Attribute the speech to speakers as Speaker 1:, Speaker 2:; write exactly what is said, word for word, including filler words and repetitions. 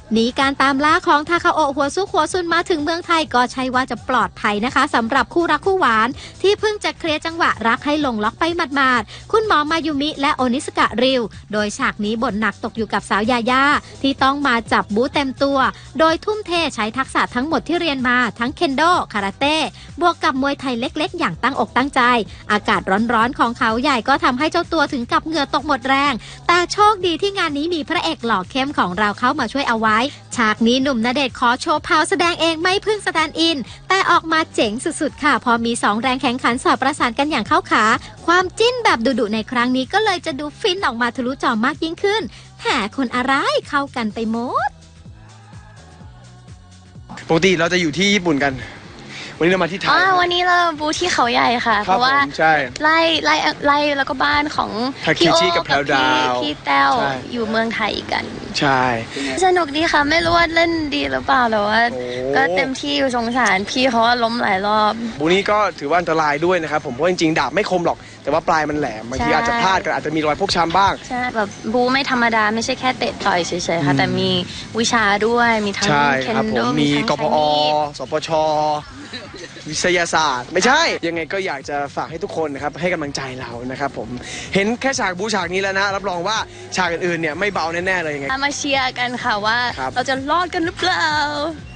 Speaker 1: หนีการตามล่าของทาคาโอะหัวซุกหัวซุนมาถึงเมืองไทยก็ใช่ว่าจะปลอดภัยนะคะสำหรับคู่รักคู่หวานที่เพิ่งจะเคลียร์จังหวะรักให้ลงล็อกไปหมาดๆคุณหมอมายุมิและโอนิสกะริวโดยฉากนี้บทหนักตกอยู่กับสาวยาย่าที่ต้องมาจับบู๊เต็มตัวโดยทุ่มเทใช้ทักษะทั้งหมดที่เรียนมาทั้งเคนโดคาราเต้บวกกับมวยไทยเล็กๆอย่างตั้งอกตั้งใจอากาศร้อนๆของเขาใหญ่ก็ทำให้เจ้าตัวถึงกับเหงื่อตกหมดแรงแต่โชคดีที่งานนี้มีพระเอกหล่อเข้มของเราเข้ามาช่วยเอาไว้ฉากนี้หนุ่มณเดชน์ขอโชว์พาวแสดงเองไม่พึ่งสแตนด์อินแต่ออกมาเจ๋งสุดๆค่ะพอมีสองแรงแข่งขันสอบประสานกันอย่างเข้าขาความจิ้นแบบดุๆในครั้งนี้ก็เลยจะดูฟินออกมาทะลุจอมากยิ่งขึ้นแหมคนอะไรเข้ากันไปหมด
Speaker 2: ปกติเราจะอยู่ที่ญี่ปุ่นกันวันนี้เรามาที่ไทย
Speaker 3: วันนี้เราบูที่เขาใหญ่ค่ะเพราะว่าไล่ไล่ไล่แล้วก็บ้านของพี่โอ๊กับพี่พี่แต้วอยู่เมืองไทยกัน
Speaker 2: ใช่
Speaker 3: สนุกดีค่ะไม่รู้ว่าเล่นดีหรือเปล่าแต่ว่าก็เต็มที่สงสารพี่เขาว่าล้มหลายรอบ
Speaker 2: บูนี้ก็ถือว่าอันตรายด้วยนะครับผมเพราะจริงๆดาบไม่คมหรอกแต่ว่าปลายมันแหลมบางทีอาจจะพลาดกันอาจจะมีรอยพกช้ำบ้าง
Speaker 3: ใช่แบบบูไม่ธรรมดาไม่ใช่แค่เตะต่อยเฉยๆค่ะแต่มีวิชาด้วยมีทั้งเคนโด
Speaker 2: มีกพอสปชวิทยาศาสตร์ไม่ใช่ยังไงก็อยากจะฝากให้ทุกคนนะครับให้กำลังใจเรานะครับผมเห็นแค่ฉากบูฉากนี้แล้วนะรับรองว่าฉากอื่นๆเนี่ยไม่เบาแน่ๆเลยยังไง
Speaker 3: มาเชียร์กันค่ะว่าเราจะรอดกันหรือเปล่า